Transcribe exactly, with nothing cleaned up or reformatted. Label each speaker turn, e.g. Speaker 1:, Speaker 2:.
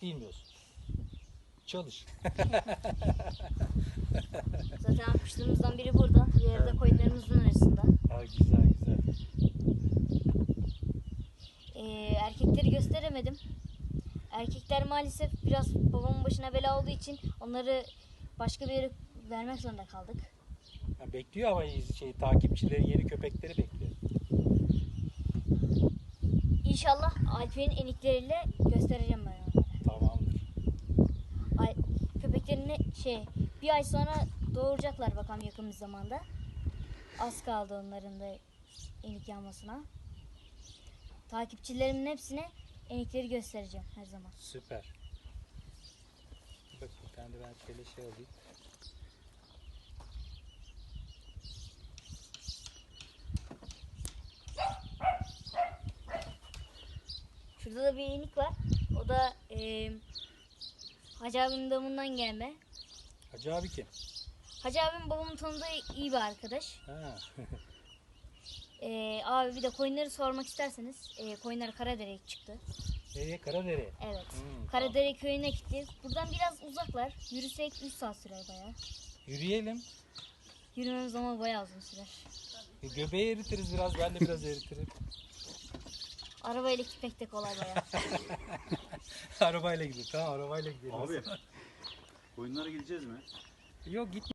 Speaker 1: bilmiyorsun. Çalış.
Speaker 2: Zaten kuşlarımızdan biri burada. Diğeri de koyunlarımızın arasında.
Speaker 1: Ha, güzel güzel.
Speaker 2: Ee, erkekleri gösteremedim. Erkekler maalesef biraz babamın başına bela olduğu için onları başka bir yere vermek zorunda kaldık.
Speaker 1: Ha, bekliyor ama şey takipçileri, yeni köpekleri bekliyor.
Speaker 2: İnşallah Alper'in enikleriyle göstereceğim ben onlara.
Speaker 1: Tamamdır.
Speaker 2: Ay, köpeklerini şey bir ay sonra doğuracaklar bakalım yakın bir zamanda. Az kaldı onların da enik yanmasına. Takipçilerimin hepsine enikleri göstereceğim her zaman.
Speaker 1: Süper. Bak bir tane de ben şöyle şey alayım.
Speaker 2: Şurada da bir enik var. O da e, Hacı abimin damından gelme.
Speaker 1: Hacı abi kim?
Speaker 2: Hacı abim babamın tanıdığı iyi bir arkadaş.
Speaker 1: Ha.
Speaker 2: E, abi bir de koyunları sormak isterseniz e, koyunlar Karadere'ye çıktı.
Speaker 1: Nereye? Karadere.
Speaker 2: Evet.
Speaker 1: Hmm,
Speaker 2: Karadere köyüne gitti. Buradan biraz uzaklar. Yürüsek üç saat sürer bayağı.
Speaker 1: Yürüyelim.
Speaker 2: Yürümemiz ama bayağı uzun sürer.
Speaker 1: E, göbeği eritiriz biraz. Ben de biraz eritirim.
Speaker 2: Arabayla gitmek de kolay bayağı.
Speaker 1: Arabayla gidelim. Tamam, arabayla gidelim.
Speaker 3: Abi, koyunlara gideceğiz mi?
Speaker 1: Yok, git.